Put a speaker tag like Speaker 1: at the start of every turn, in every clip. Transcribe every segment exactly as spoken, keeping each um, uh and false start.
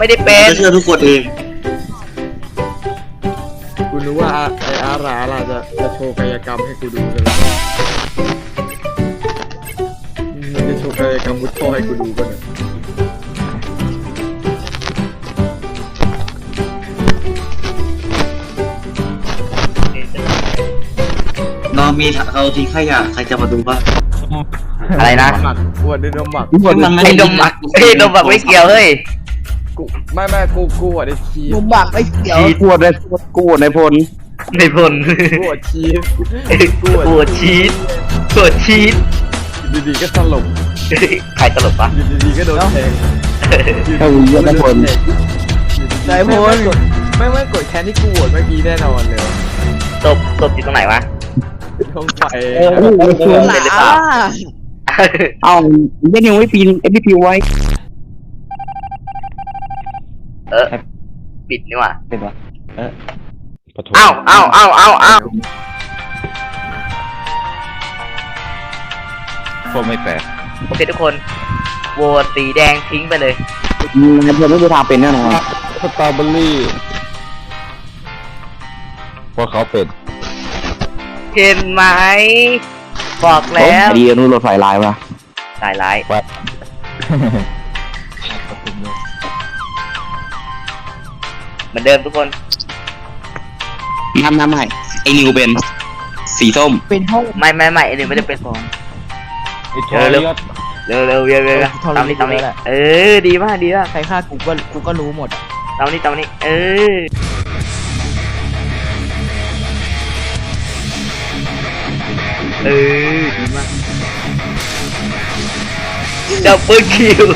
Speaker 1: ไม่ได้เป็น
Speaker 2: จะเชื่อทุกคนเอง
Speaker 3: กูรู้ว่าไอ้อาราล่ะจะจะโชว์กายกรรมให้กูดูกันแล้วมันจะโชว์กายกรรมมุดท่อให้กูดูกันเนี่ย
Speaker 2: เรามีเราทิ้งขยะใครจะมาดูบ้าง
Speaker 1: อะไรนะ
Speaker 3: หมักอ้วนด้วยน้ำหมัก
Speaker 1: ไอ้นมหมักไอ้นมหมักไม่เกี่ยวเฮ้ย
Speaker 3: กูไม่ไม่กูกูอ่ะได้ชีส
Speaker 4: มุมบักไอ้เขียว
Speaker 5: กวดในกวดในพล
Speaker 1: ในพล
Speaker 3: กูอ่ะชีส
Speaker 1: ปวดชีสปวดชีส
Speaker 3: ดีๆก็สลบ
Speaker 1: ใครตลกปะ
Speaker 3: อยู่ดีๆก็โดนแทง
Speaker 5: ถ้าวิ่งเยอะในพล
Speaker 3: นายพลไม่ไม่กดแค้นที่กูโหวตเมื่อกี้แน่นอนเลย
Speaker 1: ตบตบอยู่ตรงไหนวะ
Speaker 3: ท้องไฟ
Speaker 5: เออโอ้โห
Speaker 4: หลา
Speaker 5: เอ้าเล่นยังไม่ปีนเอ็มพีพีไว้
Speaker 1: เออปิดนี่ว่ะ
Speaker 5: เป็นวะ
Speaker 1: เอ้าเอ้าเอ้าเอ้าเอ้า
Speaker 6: พวกไม่แปลก
Speaker 1: โอเคทุกคนโหวตสีแดงทิ้งไปเลย
Speaker 5: ในพลไม่มีทางเป็นแน่นอน
Speaker 6: สตรอเบอรี่พวกเขาเป็น
Speaker 1: เห็นไหมบอกแล้ว
Speaker 5: ดีนู้นรถไฟลายวะ
Speaker 1: สายร้ายเหมือนเดิมทุกคน
Speaker 5: น้ำน้ำใหม่ไอ้นิวเป็นสีส้ม
Speaker 4: เป็นห้อง
Speaker 1: ไม่ไม่ไม่ไอ้นี่ไม่ได้เป็นของ
Speaker 6: ไอ้ทอริยอด
Speaker 1: เร็วเร็วเร็วเร็วตามนี้ตามนี้เออดีมากดีมาก
Speaker 4: ใครฆ่ากูก็กูก็รู้หมด
Speaker 1: ตามนี้ตามนี้เออเออดีมากดับเบิลคิว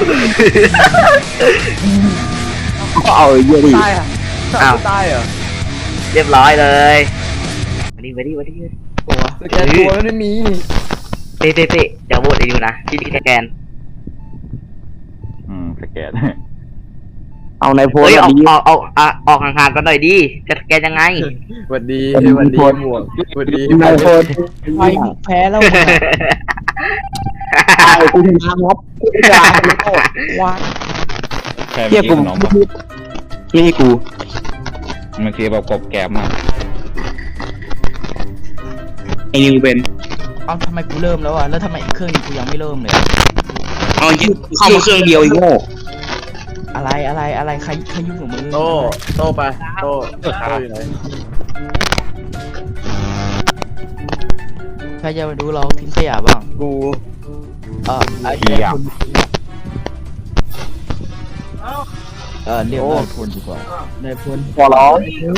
Speaker 5: ก็เอาเยอะดิ
Speaker 3: ตายอ่ะ
Speaker 1: อ้าว
Speaker 3: ตายเหรอ
Speaker 1: เรียบร้อยเลยมาดิมาดิมาดิ
Speaker 3: โอ้สแกนตัวไม่มี
Speaker 1: เตะเตะเตะเดี๋ยวโหวตไอ้ยูนะที่ที่แกน
Speaker 6: อืมสแกน
Speaker 5: เอาในพล
Speaker 1: เฮ้ยออก
Speaker 5: ดี
Speaker 1: ออกออกอ่ะออกห่างๆกันหน่อยดิจะแกนยังไง
Speaker 3: สวัสดีสวัสดีหมวกสวัสดี
Speaker 5: ในพล
Speaker 4: ไฟแพ้แล้ว
Speaker 5: ตายกูชนะครับกูชนะ
Speaker 4: ว้า
Speaker 6: แค่
Speaker 5: เทียบ
Speaker 6: มี
Speaker 5: กู
Speaker 6: ขนมปะ
Speaker 5: ไม่ให้กู
Speaker 6: มันคือแบบกบแกบมาก
Speaker 5: ไอ้นิวเป็น
Speaker 4: เอ้าทำไมกูเริ่มแล้วอ่ะแล้วทำไมอีกเครื่องนี้กูยังไม่เริ่มเลย
Speaker 5: เอายิ่งเข้ามาเครื่องเดียวอีกโง่
Speaker 4: อะไรอะไรอะไรใครใครยุ่งกับมึง
Speaker 3: โตโตไปโตโตอยู่ไหน
Speaker 4: ใครจะมาดูเราทิ้งขยะบ้าง
Speaker 3: กู
Speaker 4: เออไอ้
Speaker 6: เหี้ย
Speaker 4: คุณเออเรียกนายพลดีกว่านายพล
Speaker 5: พอร้อง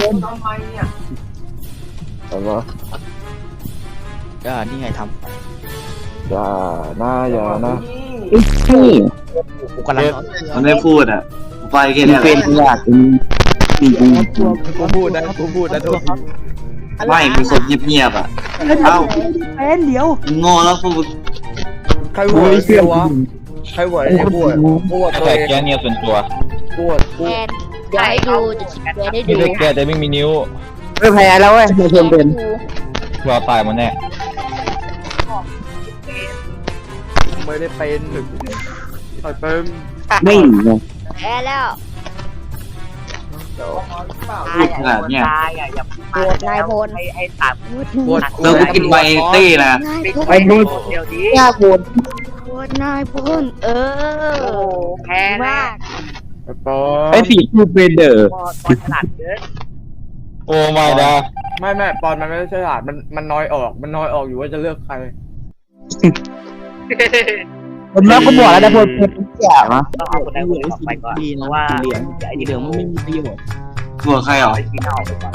Speaker 3: แต่ว่า
Speaker 4: อ่านี่ไงท
Speaker 3: อย่านะอย่านะ
Speaker 5: นี่
Speaker 4: ำกูกำลัง
Speaker 2: มันไม่พูดอ่ะไปแค่
Speaker 5: มึ
Speaker 2: นี้
Speaker 5: ง
Speaker 2: แห
Speaker 5: เป็
Speaker 2: ละ
Speaker 5: นอยากนี่กู
Speaker 3: กูพูดนะกูพูดนะโทษที
Speaker 2: ไม่เป็นคนเงียบๆอ่ะเอ้า
Speaker 4: เป็นเดี๋ยว
Speaker 2: มึงโง่แล้วพวกมึง
Speaker 3: ใครโหวตไอ้เหี้ยวะใครโหวตไอ้เหี้ยบวชบวชตัว
Speaker 6: แต่
Speaker 3: เอง
Speaker 6: แกเนี่ยส่วนตัว
Speaker 3: บวชกู
Speaker 7: แกนเดี๋ยวให้ดูจะชี้แกนให้
Speaker 6: ไม่
Speaker 7: ดู
Speaker 6: ได้แกแต่ไม่มีนิ้ว
Speaker 5: ไม่แพ้แล้วเว้ยในพลเป็น
Speaker 6: รอตายหมันแน่
Speaker 3: ไม่ได้เป็นไอ้เป็น
Speaker 5: ไม่หนีไง
Speaker 7: แพ้แล้ว
Speaker 2: พูดขนาดเนี้ย
Speaker 7: โหวตนายพล
Speaker 3: บวช
Speaker 2: เออกูกินใบตี้นะ
Speaker 5: ไปนู่น
Speaker 1: เดี๋ยวนี้
Speaker 5: ยากโหด
Speaker 7: โหวตนายพลเออ
Speaker 1: แพ้
Speaker 7: มาก
Speaker 3: ไอ้ปอ
Speaker 5: ไอ้สีคือเป็นเดอร์
Speaker 1: พอตอนฉลาดเกิน
Speaker 6: โอ้ไม่ดา
Speaker 3: ไม่ไม่ปอนมันไม่ได้ฉลาดมันมันน้อยออกมันน้อยออกอยู่ว่าจะเลือกใคร
Speaker 5: ผมแล้วก็บอกแล้วนะพลเป็นอยากนะ
Speaker 1: ต้องเอาคนใดคนหนึ่งออกไปก่อน
Speaker 4: ดี
Speaker 1: เพ
Speaker 4: นะ
Speaker 1: ราะว่า
Speaker 4: เหลือง
Speaker 1: ไอ้
Speaker 4: เห
Speaker 1: เห
Speaker 4: ลื
Speaker 1: ลื
Speaker 4: อ
Speaker 1: อง ง
Speaker 4: มันไม่มีประโยชน์
Speaker 2: หัวใครเหรอ
Speaker 1: ไอ้ที่เน่าไปก่อน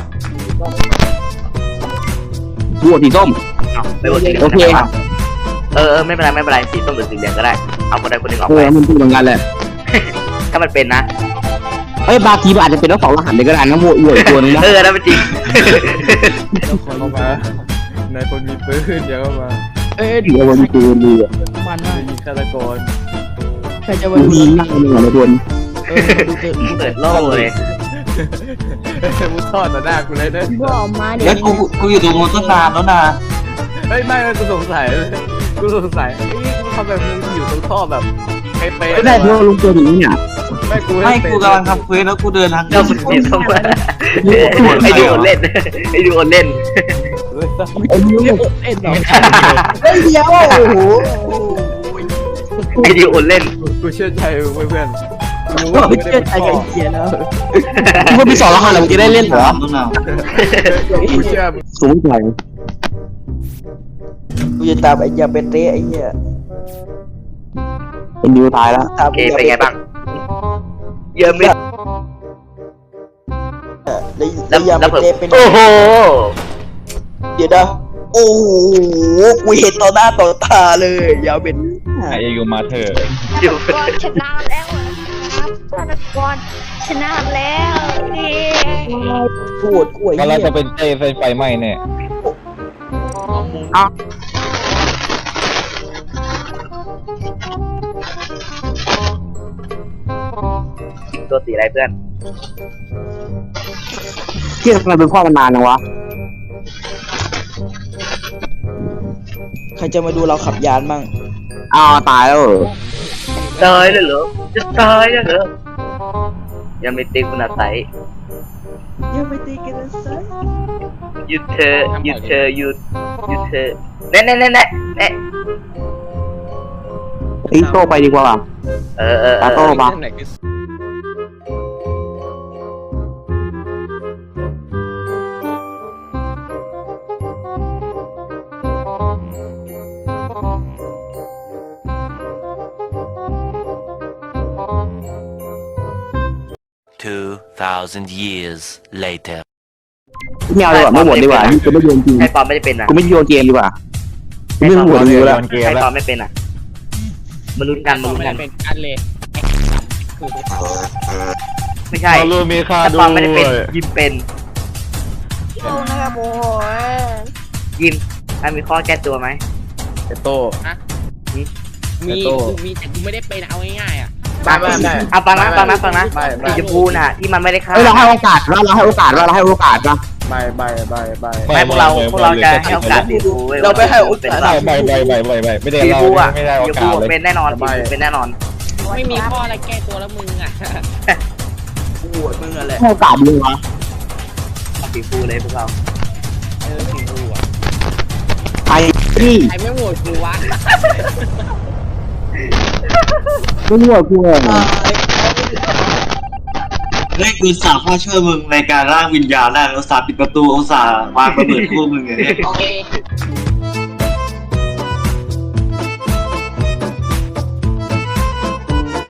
Speaker 5: บวชสีส้ม
Speaker 1: เอาไปโหวตสีเหลื
Speaker 5: โอ
Speaker 1: อง
Speaker 5: เค
Speaker 1: กันเออเออไม่เป็นไรไม่เป็นไรสีส้มหรือสีเหลืองก็ได้เอาคนใดคนหนึ่งออก
Speaker 5: เอ
Speaker 1: ไป
Speaker 5: อมันพูดเหมือนกันแหละ
Speaker 1: ถ้ามันเป็นนะ
Speaker 5: เอ้ยบางทีมันอาจจะเป็นทั้งสองรหัสเลยก็ได้นะโวยอวยตัวนึงนะ
Speaker 1: เออนั่นเป็นจริง
Speaker 3: เข้ามาในคนมีปืนเดี๋ยวเข้ามา
Speaker 4: เอ้ย
Speaker 5: เดี๋ยววันนี้คือดีอ่ะ
Speaker 4: มันมาก
Speaker 3: ยิงฆาตกร
Speaker 4: ใครจะมา
Speaker 5: ดู
Speaker 4: ดู
Speaker 5: ดีมากเลยนะพล
Speaker 4: เออดูเถอะดู
Speaker 1: เปิดโล่เลย
Speaker 3: มุดทอดต่อหน้ากูเลยเด้อ
Speaker 7: บอกมาเดี๋ย
Speaker 2: แล้ว วกูกูอยู่ตรงนู้นตั้งนานแล้วนะ
Speaker 3: เฮ้ยไม่ไม่กูสงสัยกูสงสัยไอ้กูทำแบบมึงอยู่ตรงท่อแบบเป๊ะ
Speaker 5: ไม่ได้เพราะลุงตัวนี้เนี่ย
Speaker 3: เไม่กู
Speaker 2: ไม่กูกำลังทำเควสแล้วกูเดินทาง
Speaker 1: เราเป็นสีส้มไอ้ดิโอเล่นไอ้ดิโอเล่น
Speaker 4: ไอ้นิ้วเอ็นเหรอ
Speaker 3: เฮ้ยเดียวโอ้โห
Speaker 1: ไอ้ดิโอเล่น
Speaker 3: กูเชื่อใจเพื่อนกูรู้
Speaker 4: ก็
Speaker 3: ว่า
Speaker 4: ไม่
Speaker 3: ไม่
Speaker 4: เชื่
Speaker 3: ได้
Speaker 4: อ
Speaker 3: เป็น
Speaker 4: ใจ
Speaker 3: พ่
Speaker 4: กับ
Speaker 3: อ
Speaker 4: ไอ้เหี้ยแล้ว
Speaker 5: กูมีสองรหัสแล้วมึงจะได้เล่นเหรอ
Speaker 2: ต้นหนาว
Speaker 3: กูเชื่อ
Speaker 5: สูงใหญ่
Speaker 4: กูจะตามไอ้ยาเปเต้ไอ้เหี้ย
Speaker 5: ไอ้นิวตายแล้ว
Speaker 4: ตาม
Speaker 1: โอเคเป็นไงบ้างเยอะไหม
Speaker 4: แล้วแล้วยา
Speaker 1: แล้ว
Speaker 4: เป
Speaker 1: ผม
Speaker 4: เต้เป็น
Speaker 1: โอ้โห
Speaker 4: เดี๋ยวนะโอ้โหกูเห็นต่อหน้าต่อตาเลยยาเป็น
Speaker 6: ไอยูมาเธอ
Speaker 1: อยู่
Speaker 7: ฆาตกรชนะแล้วครับฆาตกรชนะแล้วเย้
Speaker 4: ปวดกล้วย
Speaker 6: ก็เราจะเป็นเต้ไฟไฟไหม้เนี่ย
Speaker 1: ตัวสีอะไรเพื่อน
Speaker 5: เที่ยทำไมเป็นพ่อมันนานจังวะ
Speaker 4: ใครจะมาดูเราขับยานมั่ง
Speaker 5: อ้าวตายแล้วเหรอ
Speaker 1: ตายแล้วเหรอจะตายแล้วเหรอยังไม่ตีคุณอาศัย
Speaker 4: ยังไม่ตีกันนะไซ
Speaker 1: หยุดเธอหยุดเธอหยุดหยุดเธอแน่แน่แน่แน่แน่
Speaker 5: ไอ้โตไปดีกว่า
Speaker 1: เออเออเอ
Speaker 5: ตาโต
Speaker 1: อ
Speaker 5: ปะ
Speaker 8: Two thousand years later.
Speaker 5: ไม่เอาดีกว่าไม่โหวตดีกว่ากูไม่โยนจริง
Speaker 1: ใครตอบไม่ได้เป็นอ่ะ
Speaker 5: กูไม่โยนเกมดีกว่ากูไม่โหวตนิวแล้ว
Speaker 6: เกม
Speaker 1: ใคร
Speaker 6: แล้ว
Speaker 1: ตอบไม่เป็นอ่ะมาลุ้นกันมาลุ้นกัน
Speaker 3: เป็นอันเลย
Speaker 1: ไม่ใช่
Speaker 6: เราลูมีค่า
Speaker 1: ถ้า
Speaker 6: ด้
Speaker 1: ต
Speaker 6: ว
Speaker 1: อบไม่ได้เป็น
Speaker 6: ย
Speaker 1: ยิมเป็น
Speaker 7: โอ้นะครับโอ้โห
Speaker 1: ยิมถ้ามีข้อแก้ตัวไหม
Speaker 3: เอโต้
Speaker 9: มี
Speaker 3: โต้
Speaker 9: กูมีแต่กูไม่ได้เป็นเอาง่ายๆอ่ะ
Speaker 3: ไม่ไม่ไม่
Speaker 1: เอาฟังนะฟังนะฟังนะ
Speaker 3: ไม่ไม่
Speaker 1: สีชมพูน่ะที่มันไม่ได้ฆ่า
Speaker 5: เฮ้ยเราให้โอกาสว่าเราให้โอกาสว่าเราให้โอกาสว่า
Speaker 3: ไม่ไม่ไม่ไม่
Speaker 1: ไม่พวกเราพวกเราจะให้โอกาสสีชมพูว้ย
Speaker 4: เราไม่ให้โอกาส
Speaker 6: ใบใบใบใบใบใบไม่ได้
Speaker 1: สีช
Speaker 6: เรา
Speaker 1: มพูอ่ะ
Speaker 6: ไม่ได้โอ
Speaker 1: สีชม
Speaker 6: กา
Speaker 1: พู
Speaker 6: สเลย
Speaker 1: เป็นแน่นอนสีชมพูเป็นแน่นอน
Speaker 9: ไม่มีข้ออะไรแก้ตัวแล้วมึงอ่ะ
Speaker 4: กูโหวตมึงอะไร
Speaker 5: ให้โอกาสดีวะ
Speaker 1: สีชมพูเลยพวกเรา
Speaker 9: เออสีดูอ่ะ
Speaker 5: ไอ้ที่
Speaker 9: ใครไม่โหวตกูวะ
Speaker 5: ไม่โหวตกูเลย
Speaker 2: เฮ้ยกูสาพ่อช่วยมึงในการร่างวิญญาณได้แล้วสาปิดประตูอุตส่าห์วางระเบิดคู่มึงอย่างเงี้ย
Speaker 9: โอเค